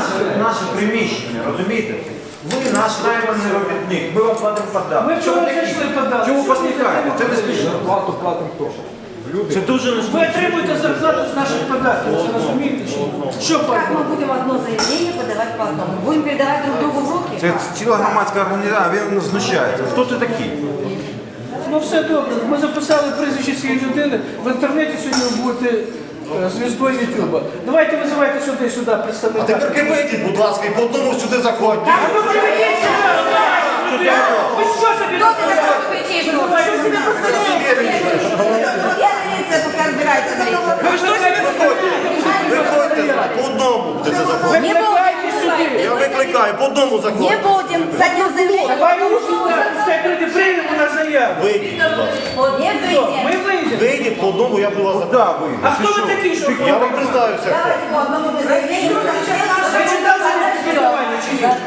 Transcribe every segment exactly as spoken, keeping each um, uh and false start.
наше, наше приміщення, розумієте? Ви наш найманий робітник, ми вам платимо податки. Ми вчора зайшли податки. Чому посміхаєте? Це не смішно. Плату платимо хто? Це дуже не Ви смішно. отримуєте зарплату з наших податків, це розумієте? чи ні? Що Как платимо? мы будем одно заявление подавать по одному? Будем передавать друг другу в руки? Це ціла громадська організація, він знущається. Хто ти такий? Ну все добре, ми записали прізвище цієї людини, в інтернеті сьогодні ви будете е, звіздою Ютуба. Давайте визивайте сюди, сюди представника. Тепер вийдіть, будь ласка, і по одному сюди заходьте. А ну приведіть сюди! Ви що собі Кто ты такой, что кричишь? Что себе позволяете? Я милиция пока разбирается. Ви що собі Виходьте по одному будете заходити. Не Викликайте сюди! Я викликаю, по одному Не заходите. будем с одним заявлением. Давай пускай прийде, приймемо на заяву. Вийдіть, будь ласка. Не Що, ми выйдем. вийдемо? Вийдіть по одному, я буду вас Куди запитати. ви? А хто ви такі, що? Я вам представився. хто. Давайте по одному заявлению. Ви читали спілкування чи ні?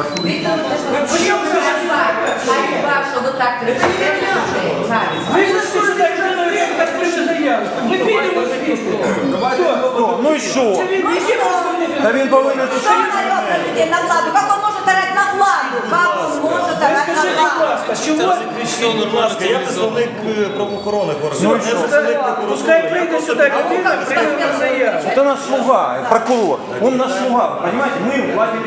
Что вот так Ви ж сюди людиною, яка пише заяву. Ми підемо звідти. Хто? Ну і що? Це він який представник? Та він повинен тут. Что он орет на людей, на владу? Как он может орать на владу? Как он может Ви орать скажіть, на будь владу? ласка, чого? Будь ласка, я представник е, правоохоронних органів. Я представник прокуратури. Пускай прийде сюди людина, прийме на заяву. Это наш слуга, прокурор. Он наш слуга, понимаете? Мы платили.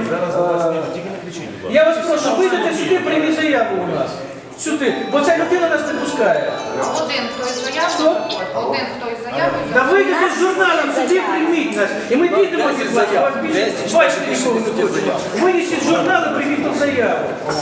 Я вас прошу, вийдете сюди, прийміть заяву у нас. Сюди, бо ця людина нас не пускає. Один, хто із заявою, один, хто із заявою. Та вийдете з журналом, сюди прийміть нас. І ми підемо від вас, я вас більше бачити нікого не хочемо. Винесіть журнал і прийміть тут заяву.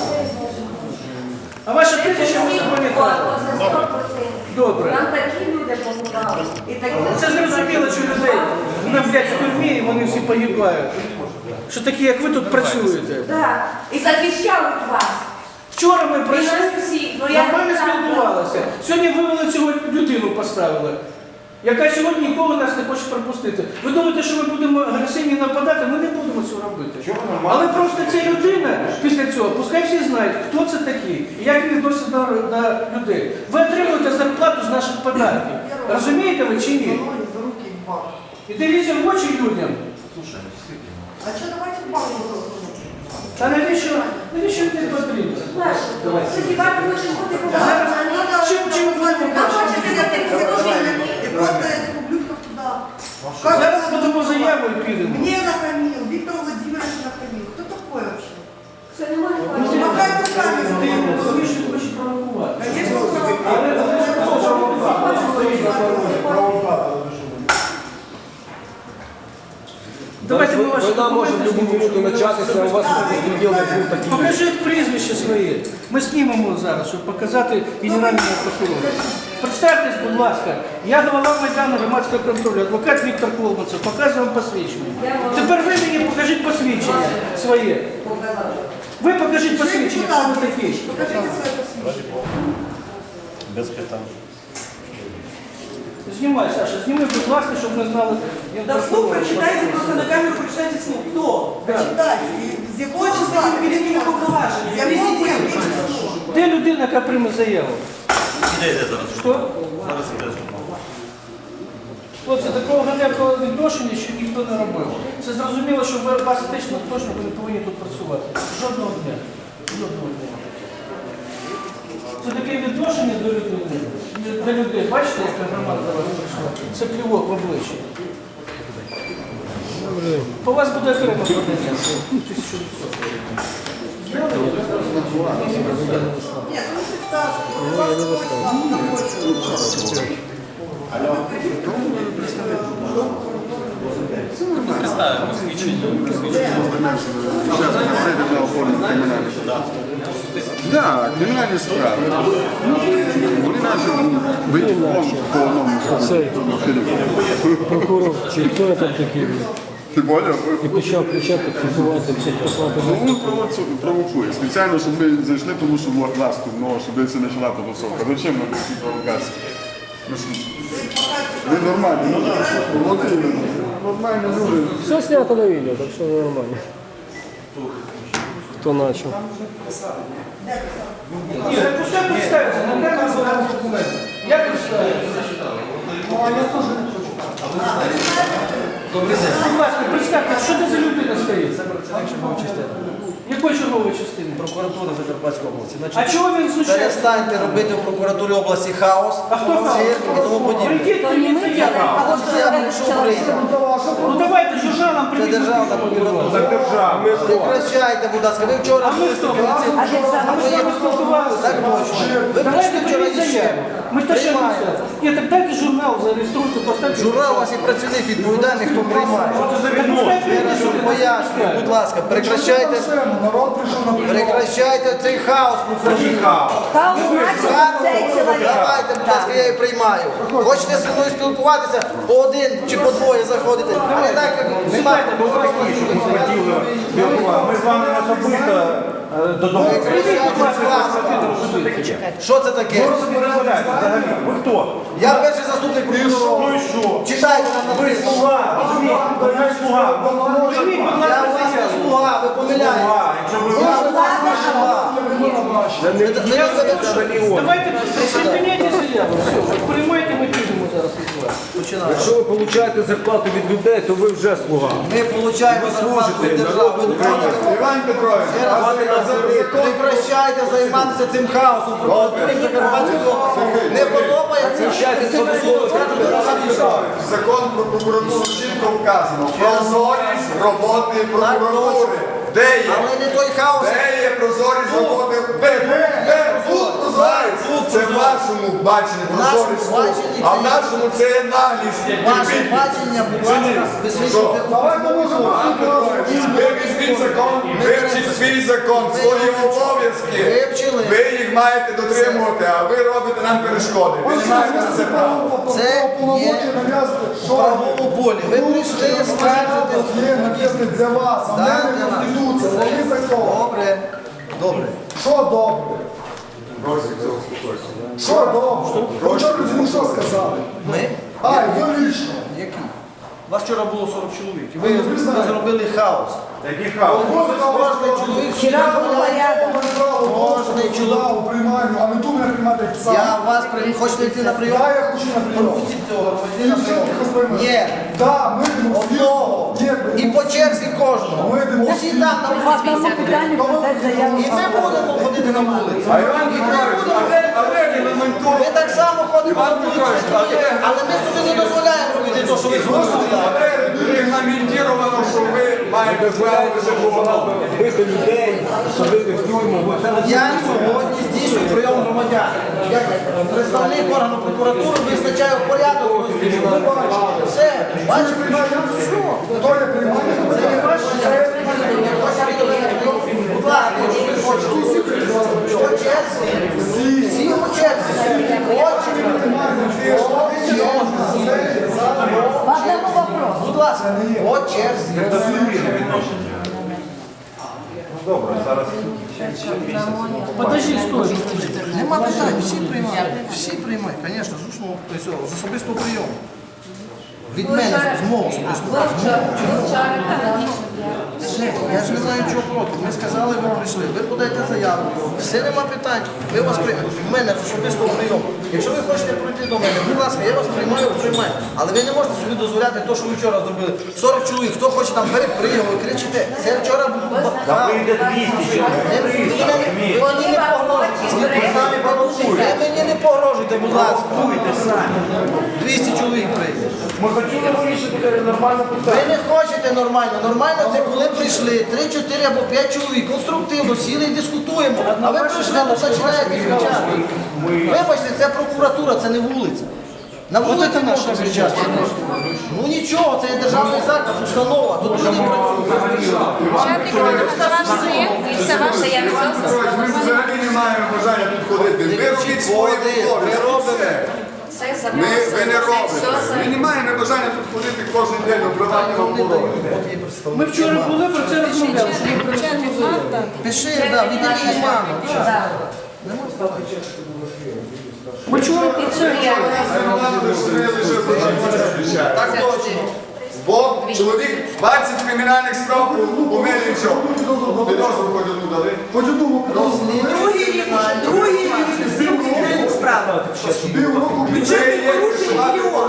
А ваше прізвище ми запам'ятали. Добре. Нам такі люди помогали. І такі. Це зрозуміло, що людей нам блядь, в тюрмі і вони всі погибають. Що такі, як ви тут працюєте. Так. І захищають вас. Вчора ми прийшли, І нас всіх. Ну, я нормально не знаю. спілкувалися. Сьогодні вивели цього людину, поставили, яка сьогодні ніколи нас не хоче пропустити. Ви думаєте, що ми будемо агресивні нападати? Ми не будемо цього робити. Але просто ця людина після цього, пускай всі знають, хто це такий і як він відноситься до, до людей. Ви отримуєте зарплату з наших податків. Розумієте ви чи ні? І дивіться в очі людям. А что, давайте в банку засунем? Та навіщо, навіщо ти потрібно? Сподіваюся, ви хочете бути Зараз побачені. чим чим ви Нам хочется все и просто этих ублюдков туда. Как Зараз это? подамо заяву і підемо. Мне нахамил, Виктор Владимирович нахамил. Кто такой вообще? Все немає. Ну, ти Махай руками ти стоит. розумієш, що ти хочеш провокувати. Конечно, он Але провокатор. але ж давайте ми ваші Вона може в документи будь-яку знімемо, минуту щоб ми початися, у вас безпреділ не був такий. Покажіть прізвище своє. Ми знімемо зараз, щоб показати генеральному прокурору. Представтесь, будь ласка, я голова Майдану громадського контролю, адвокат Віктор Колманцев, показую вам посвідчення. Тепер ви мені покажіть посвідчення своє. Ви покажіть посвідчення, хто ви такі. Покажите свое посвящение. Без питань. Знімай, Саша, зніми, будь ласка, щоб ми знали. я Да вслух прокурор. прочитайте просто на камеру, прочитайте вслух. Кто? Прочитайте. И с какого числа? Перед ними повноваження. Я президент. Я число. Де людина, яка прийме заяву? Іде, йде зараз. Що? Зараз іде. Хлопці, такого ганебного відношення ще ніхто не робив. Це зрозуміло, що ви- вас етично точно ви не повинні тут працювати. Жодного дня. Жодного дня. Це таке відношення до людей. До людей. Бачите, яка громада до вас прийшла? Це плівок в обличчя. По вас буде окремо подання. Тисячу відсотків. Нет, ну представьте. Вас такой сам находится. Да, кримінальні справи. Вони наші бити по одному. Цей прокурор, чи хто там такий? Ти поняв? І почав кричати, фіксувати, всіх послати. Ну, він провоцу- провокує. Спеціально, щоб ми зайшли, тому що власть тут, ну, щоб це почала потусовка. Зачем нам такі провокації? Ну, що, ви нормальні, ну, от іменно. Нормальні люди. Все снято на відео, так що нормально. Хто почав? Ні, так пускай представиться, на камеру зараз документи. Я представлюся. Ну, а я теж не хочу. Будь ласка, представте, що це за людина стоїть? працівник чергової частини. Якої чергової частини? Прокуратури Закарпатської області. А Значить, чого він знущається? перестаньте робити в прокуратурі області хаос, А хто хаос? цирк і тому подібне. Прийдіть мені заяву. А от Я прийшов прийняти. Ну давайте журналам Це прийдіть. державна прокуратура. Так держава. Прекращайте, будь ласка. Ви вчора А ми хто? А держава? А ми з вами спілкувалися. Так точно. Ви Давайте прийшли вчора прийміть ніщо. заяву. Ми те, що Приймаємо. Ні, так дайте журнал, зареєструйте, поставте. Журнал у вас і працівник відповідальний, хто приймає. Я раз вам пояснюю, будь ласка, прекращайте, Народ прийшов на прекращайте цей хаос. Хаос значить цей чоловік. Давайте, будь ласка, я її приймаю. Хочете зі мною спілкуватися, по один чи по двоє заходите. А не так, як немає. Ми з вами не особисто е, додому. Що це таке? Що ви собі дозволяєте взагалі? Ви хто? Я перший заступник Ну прокурора. і що? Читайте нам Ви написано. слуга, розумієте? Ви слуга. Прийміть, будь Я ласка, у вас не заяву. слуга, ви помиляєте. Слуга, якщо ви Я у вас не слуга. Ви не ведете. Давайте припиняйте заяву. Все, приймайте, ми підемо зараз від вас. Починаємо. Якщо ви получаєте зарплату від людей, то ви вже слуга. Ми получаємо зарплату від держави. Ви доходите. Іван Петрович, Ще раз прекращайте займатися цим хаосом. Прокуратури Закарпатської області. Не подобається? закон про прокуратуру чітко вказано. Прозорість роботи прокуратури. Де є? Але не той хаос. Де є прозорість роботи? Де? Де? Тут прозорість. Це в вашому баченні прозорість. В нашому баченні А в це- нашому це є наглість. Ваше бачення, будь ласка, висвітлюйте. Ви візьміть закон, вивчіть свій закон, свої обов'язки. Вивчили. Ви їх маєте дотримувати, а ви робите нам перешкоди. Ви не маєте на це права. Це є в правовому полі. Ви прийшли, скажете. Є написано для вас, а в Да, мене для нас. Конституція, вони закон. Добре, добре. Що добре? Що добре? Ви вчора людям що сказали? Ми? А, і ви лічно. Які? Вас вчора було сорок чоловік. І ви, ви зробили хаос. Який хаос? Кожний чоловік Вчора був порядок. Кожний чоловік. у приймальню, а не тут мене приймати як сам. Я вас прийму. Хочете йти на прийом? Да, я хочу на прийом. Пропустіть цього, І йди на все, прийом. тихо сприймати. Ні. Да, ми йдемо Одного. Ні, І по черзі кожного. Ми йдемо Усі там на По одному питанню писати заяву. І ми будемо ходити на вулицю. А Іван Петрович, а де регламентує? Ми так само ходимо на вулицю, але ми собі не дозволяємо робити те, що ви зробили. А де регламентовано, що ви маєте право виживати? Бити людей, садити в тюрму. Я сьогодні здійснюю прийом громадян. Як представник органу прокуратури визначаю порядок. Все, бачите? Хто є приймальня? Це є ваше. Будь ласка, якщо ви хочете. По черзі. Всі по черзі. По одному вопросу. Будь ласка, по черзі. Добре, зараз. Подожди, стой. Нема питань, всі приймають. Всі приймають, звісно, з усного цього, з особистого прийому. Від мене, з мого особистого прийому. Все, я ж не знаю, чого проти. Ми сказали, ви прийшли, ви подаєте заяву. Все, нема питань. Ми вас приймемо. В мене з особистого прийому. Якщо ви хочете пройти до мене, будь ласка, я вас приймаю, приймаю. Але ви не можете собі дозволяти те, що ви вчора зробили. сорок чоловік, хто хоче там бери, приїхав, ви кричите. Це вчора було. Та прийде двісті чоловік. Ви мені не погрожуйте. Ви мені не погрожуйте, будь ласка. Будьте самі. двісті чоловік прийде. Ми хотіли вирішити нормально Ви питання. не хочете нормально. Нормально це коли прийшли три, чотири або п'ять чоловік, конструктивно сіли і дискутуємо. А ви прийшли, тут починаєте кричати. Вибачте, це прокуратура, це не вулиця. На вулиці можна кричати. Ну нічого, це є державний заклад, установа. Тут люди працюють. Це ваш син і це ваш заявний Петрович, ми взагалі не маємо бажання тут ходити. Ви робіть свої обов'язки. Все. Це за Ми, ви не робите. Ми не маємо бажання тут ходити кожен день обривати оборони. Ми вчора були, про це розмовляли. що ми прийшли до заяви. Пиши, так, відділі маму. Ми вчора про це. Так точно. Бо чоловік двадцять кримінальних справ у мене нічого. Підозру хоч одну дали. Хоч одну Другий рік, другий рік, справи. Півроку Бюджетних порушень мільйон.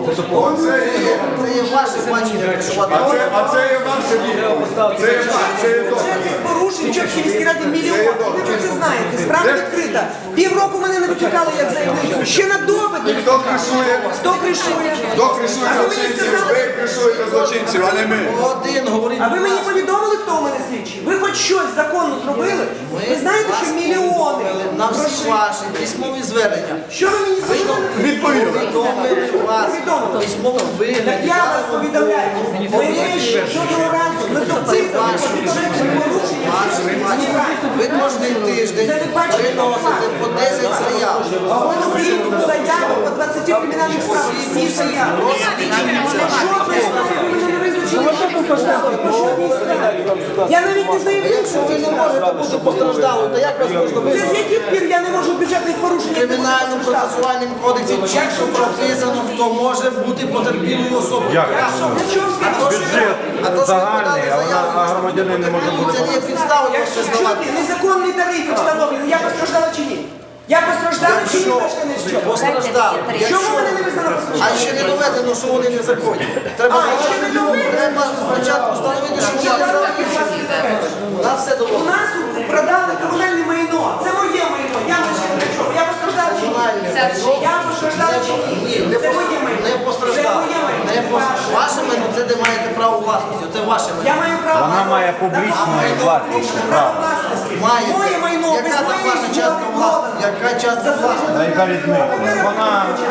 Це є ваше бачення. А це, а це є ваше відповідь. Це є ваше, це є добре. Бюджетних порушень в Чопській міській раді мільйон. Ви про це знаєте. Справа відкрита. Півроку мене не викликали як заявницю. Ще на допит. Хто кришує? Хто кришує? Хто кришує А ви мені злочинців? сказали- Ви кришуєте злочинців, а не ми. Один говорить, А ви мені повідомили, хто у мене слідчий? Ви хоч щось законно зробили? Ви знаєте, що мільйони на всі ваші письмові звернення. Що ви мені зробили? Відповіли. Повідомили вас Повідомили. письмовому Так вигляді. я вас повідомляю. Ми жодного разу не допитували про бюджетні порушення. Ви кожен тиждень Це ви бачите, приносите по десять заяв. А ви всі заяви по двадцяти кримінальних справах. Всі заяви. Жодної справи ви мене не визначили. По жодній справі. Я навіть не знаю, Якщо ви не можете бути постраждалою, то як вас можна це з визнати? яких пір я не можу бюджетних порушень. В кримінальному процесуальному кодексі чітко прописано, хто може бути потерпілою особою. На чому Бюджет А то, що ви подали загальний, а заяву, вона- а громадянин не може бути. це не є підставою вас Якщо визнавати. чути, незаконні тарифи встановлені, я постраждала чи ні? Я постраждала чи ні, Якщо мешканець що? постраждали, Чому якщо мене не визнала а постраждалою? ще не доведено, що вони незаконні. Треба, А, ще не доведено? треба спочатку встановити, що вони незаконні. У нас все У доводено. нас продали комунальне майно. Це моє майно. Я лише для чого? Я постраждала чи ні? Я постраждала чи ні? Ні, не Це пос- моє майно. не Це постраждали. моє майно. Не пос- Ваше майно, це де маєте право власності, це ваше Я майно. маю право. Вона має на- публічне на- власність, публічне право. право власності. Маєте. Моє майно без Яка там моєї ваша частка згоди власності? продано. Яка частка власності? А яка різниця? Вона,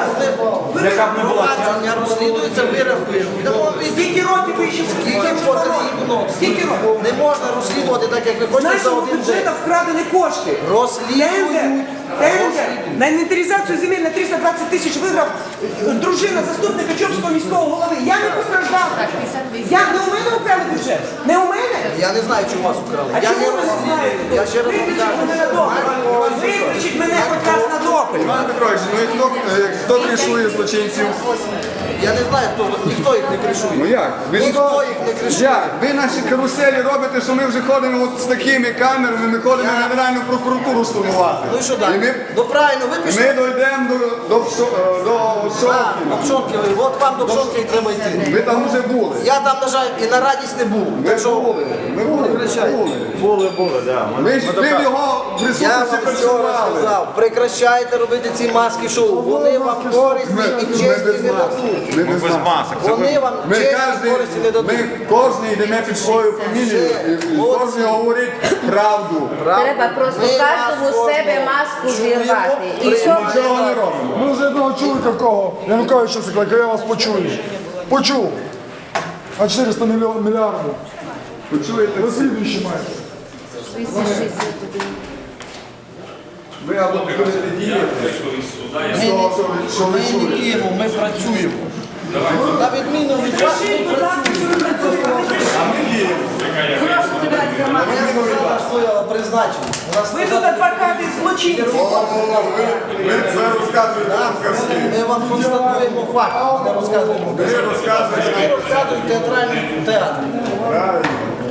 яка б не була частина. Провадження розслідується, вирахуємо. Йдемо від Скільки років ви ще скільки потрібно. Скільки років? Не можна розслідувати так, як ви З хочете за нашого один бюджету день. вкрадені кошти. Тендер, Розслідують. тендер на інвентаризацію земель на триста двадцять тисяч виграв е, дружина заступника Чопського міського голови. Я не постраждала. Я не у мене украли бюджет. Не у мене. Я не знаю, чому вас украли. А Я чому не ви не розслідую. знаєте? Я ще раз вам Виключіть мене на допит. Виключіть мене хоч раз на допит. Іван Петрович, ну і хто, е, хто кришує злочинців? Я не знаю, хто ніхто їх не Ну кришує. як? Ви Ніхто їх не кришує. Як? Ви наші каруселі робите, що ми вже ходимо от з такими камерами, ми ходимо в Генеральну прокуратуру штурмувати. Ну і що І далі? ми, Ну правильно, ви і пішли. ми дійдемо до, до, Пшо- е, до А, Пшонки. до Пшонки, ви- от вам до Пшонки і треба йти. Ви там вже були. Я там, на жаль, і на радість не був. Ви Так що були. Ми були. прекращайте. були. Були, були, да. Ми- Ми ж ми ви в дока- його Я присутності вам вчора працювали. сказав, прекращайте робити ці маски шоу. Вони вам корисні Ми, і ми честі без не масок. дадуть. Ми без масок. Вони вам Ми честі і кожний, користі не дадуть. ми кожен йдемо під свою фамілію і, і Молодці. кожен говорить правду. Треба просто Ми кожному вас з себе кожного маску чуємо, зірвати. І приймаємо. все Нічого не робимо. Ми вже одного чули такого. Януковича закликав, я вас почую. Почув. А чотириста мільйон- мільярдів. Почуєте? Ви слідуючі маєте. Ви або будете діяти. Ми З того, що ви- що ви не чуєте. діємо, ми працюємо. На відміну від вас, ми Скажіть, будь ласка, що ви працюєте? Ми сказали своє призначення. У нас Ви тут адвокати злочинців. О, ви, ви це розказуєте нам казки. Ми вам констатуємо факт, а не розказуємо. Ви розказуєте. Ви розказуєте театральний театр. Правильно.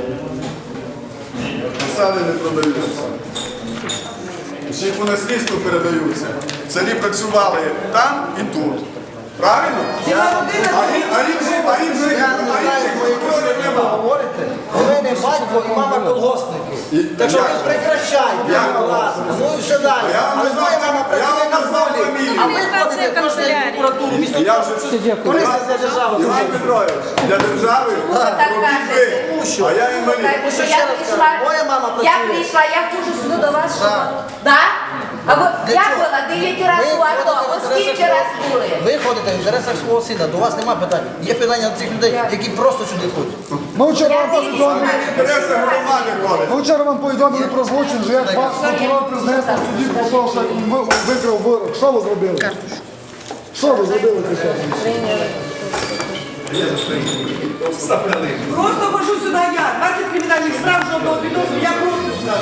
Посади не продаються. Ще й по наслідству передаються. Царі працювали там і тут. Правильно? Ціла родина А він, а він же, а він же, Я не а знаю, інших про які прокурорів ви не було. говорите. У мене батько і мама колгоспники. І- Так що як ви же? прекращайте, Як? будь ласка. Ну і все далі. А я вам Але не моя знав- мама я працює вам на не знав волі. фамілію. А ви ходите кожен день в прокуратуру. Місто Я того, вже що корисно для держави. Іван Петрович, для держави так робіть кажете? ви, Тому що? а я інвалід. Слухайте, що ще я раз прийшла, кажу, моя мама я працює. прийшла, я хожу сюди до вас, що... Так. Да? А от Для я чого? була дев'ять Ви разів у АТО, ходите в от скільки інтересах раз свого- були? Ви ходите в інтересах свого сина, до вас немає питань. Є питання до цих людей, які просто сюди ходять. Ми вчора Я вам повідомили, Інтереси громади ходять. ми вчора вам повідомили про злочин, що як вас прокурор признався в суді про те, що він ви- викрав вирок. Що ви зробили? Що ви зробили після цього? Просто хожу сюди я. двадцять кримінальних справ, жодного підозру, я просто сюди.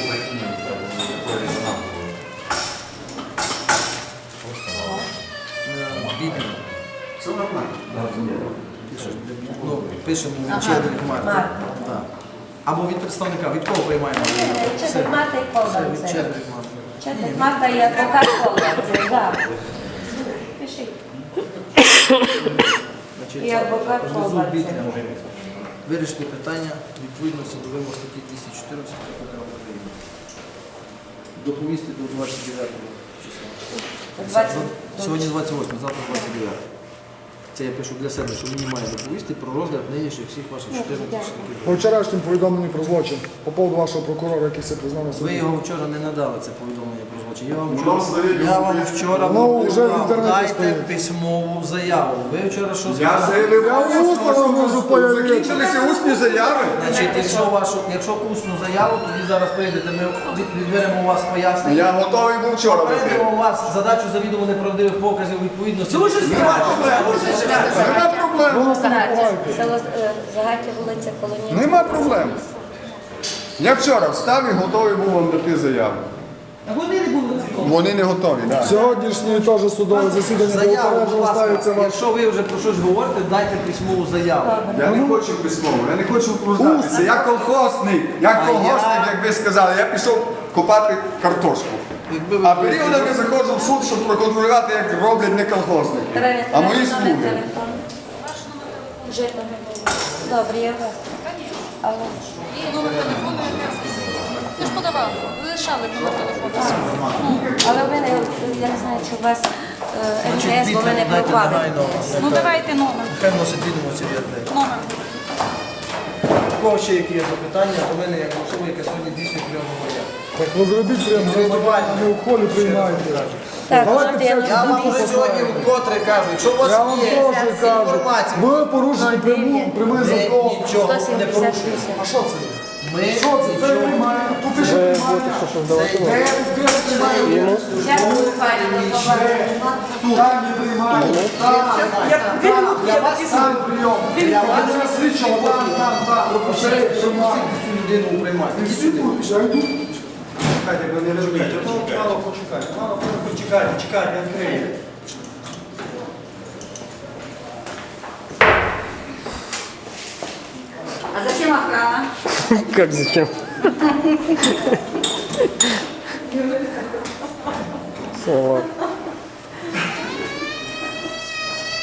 Все нормально. Ну, пишемо від Чедрик Марта. Так. Або від представника, від кого приймаємо? Все. Чи мати Все, від повністю? Чедрик Марта. Чекай, Марта і адвокат Колбаці, так. Пиши. Значить, І адвокат внизу Колбаці. бітня. Вирішити питання відповідності до вимог статті двісті чотирнадцять Кодексу України. Доповісти до двадцять дев'ятого числа. двадцять Сьогодні двадцять восьме, завтра двадцять дев'яте. Це я пишу для себе, що мені має доповісти про розгляд нинішніх всіх ваших чотирнадцяти чоловіків. По вчорашньому повідомленні про злочин, по поводу вашого прокурора, який все признав на Ви суді. його вчора не надали, це повідомлення про злочин. Я вам Ну, вчора, нам здається, я вам вчора Ну, вже в повідомляв, інтернеті дайте стоїть. письмову заяву. Ви вчора що Я сказали? заявив, Я усно вам можу появити. закінчилися усні заяви. Значить, якщо вашу, якщо усну заяву, тоді зараз прийдете, ми від- відберемо у вас пояснення. Я готовий був вчора дати. Попередимо вас задачу завідомо неправдивих показів відповідності. Дуже страшно. Нема проблем. Село е, Загаття, вулиця Колонія. Нема проблем. Я вчора встав і готовий був вам дати заяву. А вони не були зацікавлені. Вони не готові, так. Сьогоднішнє теж судове засідання було Заяву, будь попереджено, ласка, ставиться ваш. якщо ви вже про щось говорите, дайте письмову заяву. Я не хочу письмово, я не хочу втруждатися. Я колхозник, як А колгоспник, я- як ви сказали, я пішов копати картошку. Якби ви А періодами заходжу в суд, щоб проконтролювати, як роблять не колхозники, а мої слуги. Житомир. Добре, я вас. Алло. І номер телефону якраз. Ти ж подавав, ви лишали номер телефону. Але ви не, я не знаю, чи у вас е, ем те ес, бо ви не дайте пропали. негайно. Ну давайте номер. Хай носить відомості в ЄРДР. Номер. У кого ще які є запитання, то мене як особа, яка сьогодні дійсно прийом говорять. Так ви зробіть прямо громадян, а не у холі приймаєте. Так, Давайте Володимир, Я вам вже сьогодні вкотре кажу, якщо у вас Я вам є теж кажу, інформація, ви порушите пряму, прямий ми закон. нічого сто не сімдесят порушуємо. вісім. А що це? Ми Що це? Це нічого приймає. Тут і ще приймає. Де де приймає? Зараз буквально до побачення. Там не приймає. Там, Я дві минутки, я там написала. прийом. Я вас слідчого, там, там, там. пропустили, пропустити цю людину у приймати. Ідіть сюди. Я йду. Чекайте, ви не розумієте. Ну, мало почекати, мало почекати, чекати, відкриє. А зачем охрана? Как зачем? Салат.